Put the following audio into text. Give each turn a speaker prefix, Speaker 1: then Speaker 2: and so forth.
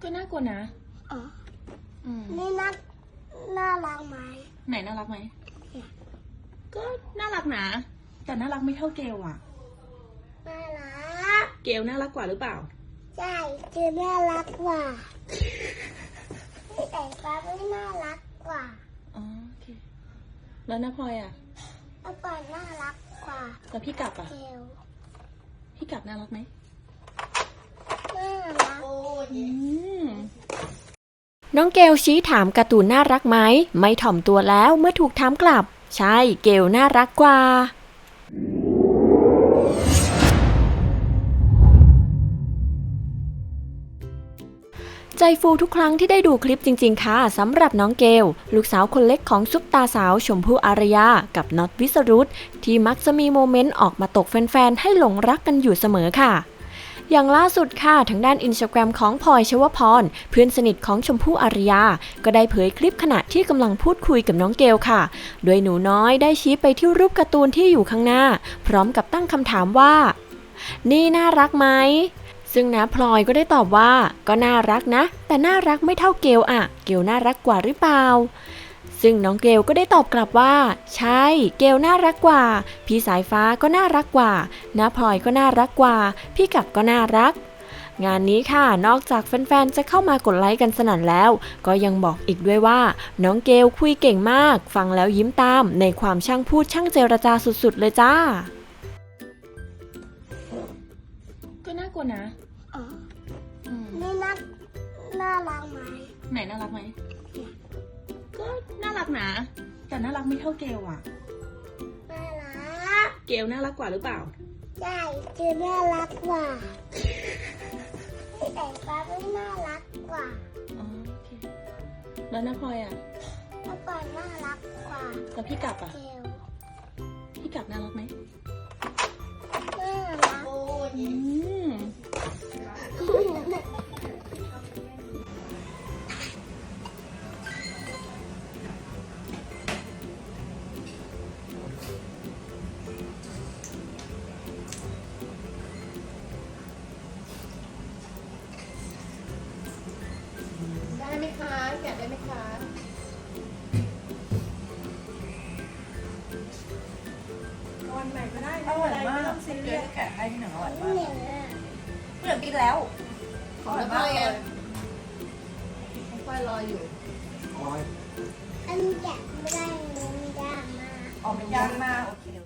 Speaker 1: ก็น่ากลัวนะ
Speaker 2: อ๋อ
Speaker 1: นี่
Speaker 2: น่ารักไหม
Speaker 1: ไหนน่ารักไหมก็น่ารักนะแต่น่ารักไม่เท่าเกลอ่ะ
Speaker 2: น่ารัก
Speaker 1: เกลน่ารักกว่าหรือเปล่า
Speaker 2: ใช่เจอน่ารักกว่าแต่ฟ้าไม่น่ารักกว่า
Speaker 1: อ๋อโอเคแล้วน้าพลอยอ่ะ
Speaker 2: น้าปอยน่ารักกว่า
Speaker 1: แล้วพี่กลับอ่ะ
Speaker 2: เกล
Speaker 1: พี่กลับน่ารักไหม
Speaker 2: น่ารัก
Speaker 3: น้องเกลชี้ถามการ์ตูนน่ารักไหมไม่ถ่อมตัวแล้วเมื่อถูกถามกลับใช่เกลน่ารักกว่าใจฟูทุกครั้งที่ได้ดูคลิปจริงๆค่ะสำหรับน้องเกลลูกสาวคนเล็กของซุปตาสาวชมพู่อารยากับน็อตวิสรุตที่มักจะมีโมเมนต์ออกมาตกแฟนๆให้หลงรักกันอยู่เสมอค่ะอย่างล่าสุดค่ะทางด้านอินสตาแกรมของพลอยชวพรเพื่อนสนิทของชมพู่อารยาก็ได้เผยคลิปขณะที่กำลังพูดคุยกับน้องเกลค่ะโดยหนูน้อยได้ชี้ไปที่รูปการ์ตูนที่อยู่ข้างหน้าพร้อมกับตั้งคำถามว่านี่น่ารักไหมซึ่งน้าพลอยก็ได้ตอบว่าก็น่ารักนะแต่น่ารักไม่เท่าเกลอะเกลน่ารักกว่าหรือเปล่าซึ่งน้องเกลก็ได้ตอบกลับว่าใช่เกลน่ารักกว่าพี่สายฟ้าก็น่ารักกว่าน้าพลอยก็น่ารักกว่าพี่กับก็น่ารักงานนี้ค่ะนอกจากแฟนๆจะเข้ามากดไลค์กันสนั่นแล้วก็ยังบอกอีกด้วยว่าน้องเกลคุยเก่งมากฟังแล้วยิ้มตามในความช่างพูดช่างเจรจาสุดๆเลยจ้า
Speaker 1: ก็น่ากลัวนะ
Speaker 2: อ๋อนี่น่ารักไหม
Speaker 1: ไหนน่ารักไหมก็น่ารักนะแต่น่ารักไม่เท่าเกลอ่ะ
Speaker 2: น่ารัก
Speaker 1: เกลน่ารักกว่าหรือเปล่า
Speaker 2: ใช่เจอน่ารักกว่าแต่ฟ้าไม่น่ารักกว่า
Speaker 1: อ๋อโอเคแล้วน้าพลอยอ่ะ
Speaker 2: น้าปอยน่ารักกว่า
Speaker 1: แล้วพี่กลับอ่ะ
Speaker 2: เกล
Speaker 1: พี่กลับน่ารักไหม
Speaker 2: น่ารัก
Speaker 4: ได้ไหมคะแกะได้ไหมคะวันไหนก็ได้อร่อยมากไม่ต้องซีเรียสแกะให้ที่หนึ่งอร่อยมากเหลือกินแล้วอร่อยมากเลยน้องฝ้ายรออยู่
Speaker 2: อันนี้แกะไม่ได้มันยากมาก
Speaker 4: ออกมันยากมากโอเค